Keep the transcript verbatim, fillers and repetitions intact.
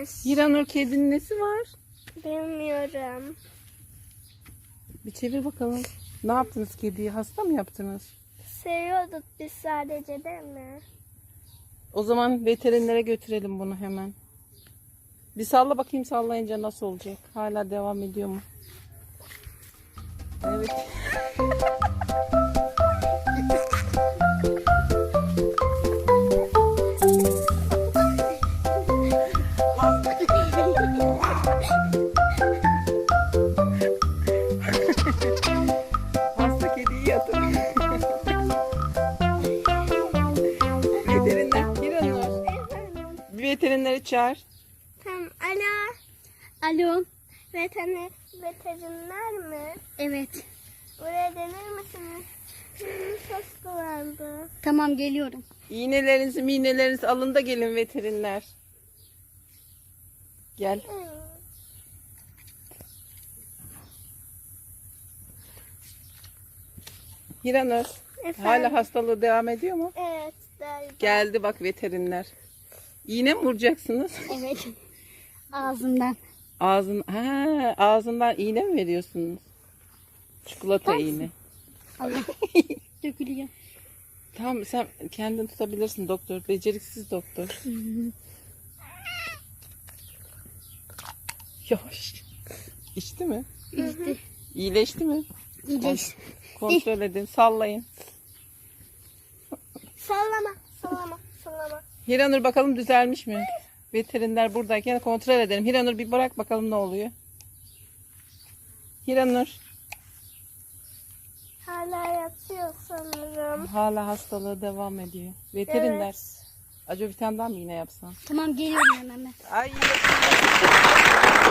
varmış. Hiranur, kedinin nesi var? Bilmiyorum. Bir çevir bakalım. Ne yaptınız kediyi? Hasta mı yaptınız? Seviyorduk biz sadece, değil mi? O zaman veterinere götürelim bunu hemen. Bir salla bakayım, sallayınca nasıl olacak? Hala devam ediyor mu? Evet. Hasta kediyi yatır. Veteriner, Hiranur. Bir veterineri çağır. Tamam. Alo. Alo. Veteriner, veteriner mi? Evet. Buraya gelir misiniz? Şimdi hastalandı. Tamam, geliyorum. İğnelerinizi, miğnelerinizi alın da gelin veteriner. Gel. Hiranur. Efendim? Hala hastalığı devam ediyor mu? Evet. Galiba. Geldi bak veteriner. İğne mi vuracaksınız? Evet. Ağzımdan. Ağzın, ha, ağzından iğne mi veriyorsunuz? Çikolata iğne. Allah. Dökülüyor. Tamam, sen kendin tutabilirsin doktor. Beceriksiz doktor. Yavaş. İçti mi? İşte. İyileşti mi? İyileş. Kontrol edin. Sallayın. Sallama. Sallama. Sallama. Hiranur, bakalım düzelmiş mi? Veteriner buradayken kontrol edelim. Hiranur, bir bırak bakalım ne oluyor. Hiranur. Hala yatıyor sanırım. Hala hastalığı devam ediyor. Veteriner. Evet. Acaba bir tane daha mı iğne yapsan? Tamam, geliyorum hemen ben. Ay.